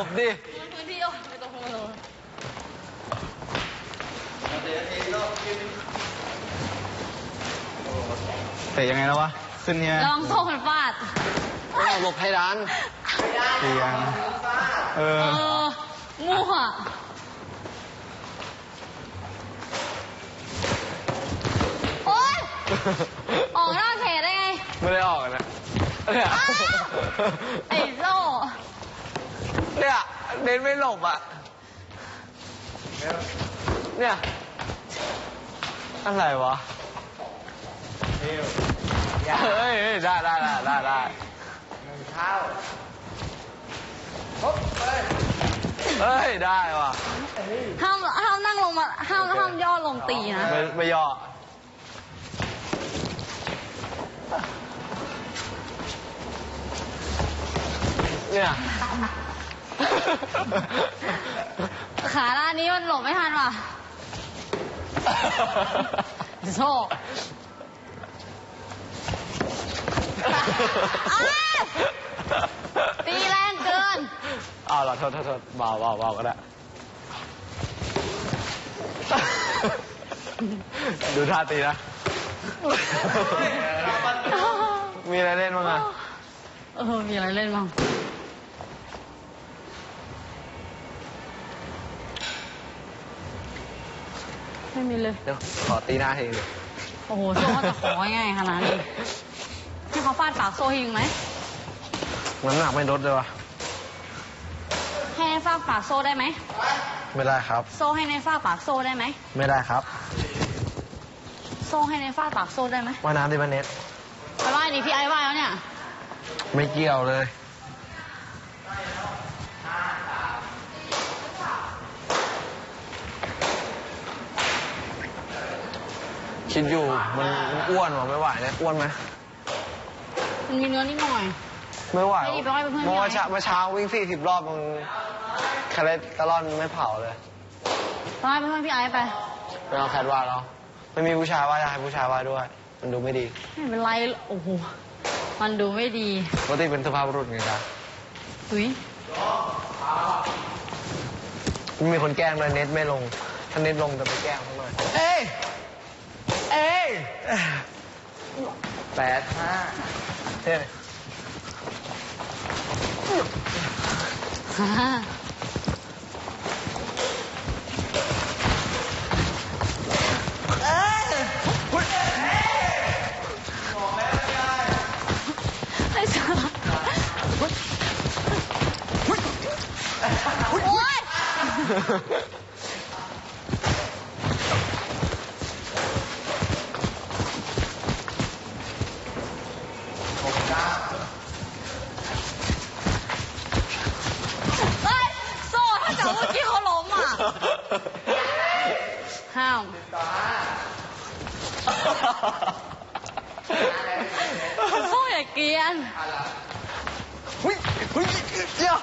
ดิพื้นที่ไม่ต้องพูดเลยเตะยังไงแล้ววะขึ้นเนี่ยลองโซ่มันฟาดหลบให้ร้านเตียงมั่วโอ๊ยออกนอกเขตได้ไงไม่ได้ออกนะเนี่ยไอ้โซ่เนี่ยเน้นไม่หลบอ่ะเนี่ยอะไรวะเฮ้ยได้เข้าเฮ้ยได้ว่ะห้ามนั่งลงมาห้ามย่อลงตีนะไม่ย่อเนี่ยขาด้านนี้มันหลบไม่ทันว่ะโซ่ตีแรงเกินเอาล่ะโทษเบาก็ได้ดูท่าตีนะมีอะไรเล่นบ้างอะมีอะไรเล่นบ้างไม่มีเลยเดี๋ยวขอตีหน้าทีเลยโอ้โหโซ่เขาจะของ่ายขนาดนี้ให้เขาฟาดปากโซ่ให้ยิงไหมมันหนักไม่ลดเลยวะให้ในฟาดปากโซ่ได้ไหมไม่ได้ครับโซ่ให้ในฟาดปากโซ่ได้ไหมไม่ได้ครับโซ่ให้ในฟาดปากโซ่ได้ไหมว่ายน้ำที่บ้านเน็ตไปว่ายดิพี่ไอ้ว่ายแล้วเนี่ยไม่เกี่ยวเลยคิดอยู่มันอ้วนหรอไม่ไหวเลยอ้วนไหมมันมีเนื้อนิดหน่อยไม่ไหวเมื่อเช้าวิ่ง40 รอบมันคาเลสเตอรอลไม่เผาเลยไปเพื่อนพี่ไอ้ไปเอาแคทว่าแล้วไม่มีผู้ชายว่าจะให้ผู้ชายว่าด้วยมันดูไม่ดีไม่เป็นไรโอ้โหมันดูไม่ดีปกติเป็นสุภาพบุรุษไงจ๊ะอุ้ยมีคนแกล้งเลยเน็ตไม่ลงถ้าเน็ตลงจะไปแกล้งเขาหน่อยเอ้ย8-5เท่โซ่ถ้าเกิดเมื่อกี้เขาล้มอ่ะห้ามโซ่อย่าเกลียนเดี๋ยว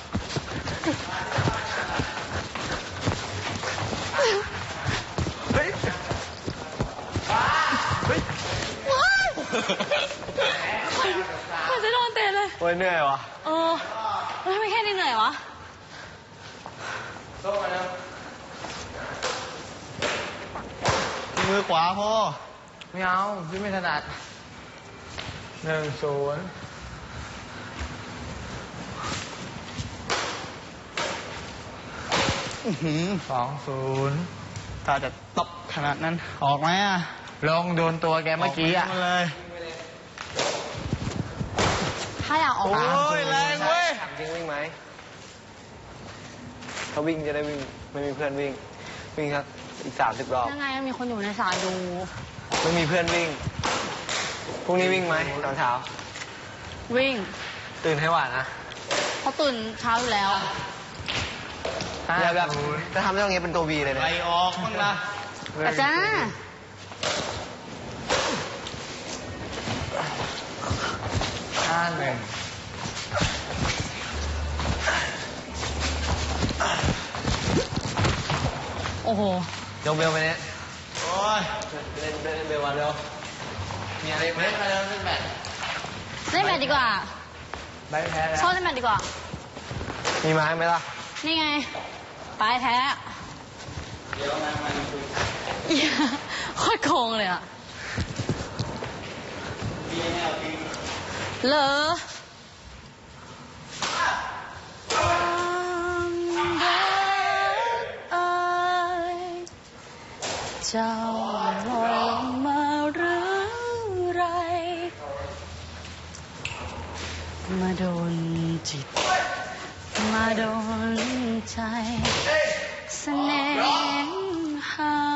มันจะโดนเตะเลยโอ้ยเหนื่อยวะไม่แค่นี้เหนื่อยวะมือขวาพ่อไม่เอาพี่ไม่ถนัด1-0 2-0 ถ้าจะตบขนาดนั้นออกไหมอ่ะลงโดนตัวแกเมื่อกี้อ่ะเลยถ้าอยากออกมาโอ้ยแรงเว้ยจริงวิ่งไหมเขาวิ่งจะได้วิ่งไม่มีเพื่อนวิ่งครับอีก30 รอบยังไงมีคนอยู่ในสายดูไม่มีเพื่อนวิ่งพรุ่งนี้วิ่งไหมตอนเช้าวิ่งตื่นให้หวานนะเขาตื่นเช้าอยู่แล้วอย่าแบบจะทำได้ตรงนี้เป็นตัววีเลยนะไปออกบ้างนะอาจารย์ 5-1 โอ้โหยกเบลไปเนี่ยโอ้ยเล่นเบลวันเร็วมีอะไรไหมเล่นแบดดีกว่าไม่แพ้แล้วชอบเล่นแบดดีกว่ามีไม้ไหมล่ะนี่ไงปลายแท้โคตรโกงเลยอะเหรอเจ้าลงมาหรือไรมาโดนจิตมาโดนใจเสน่หา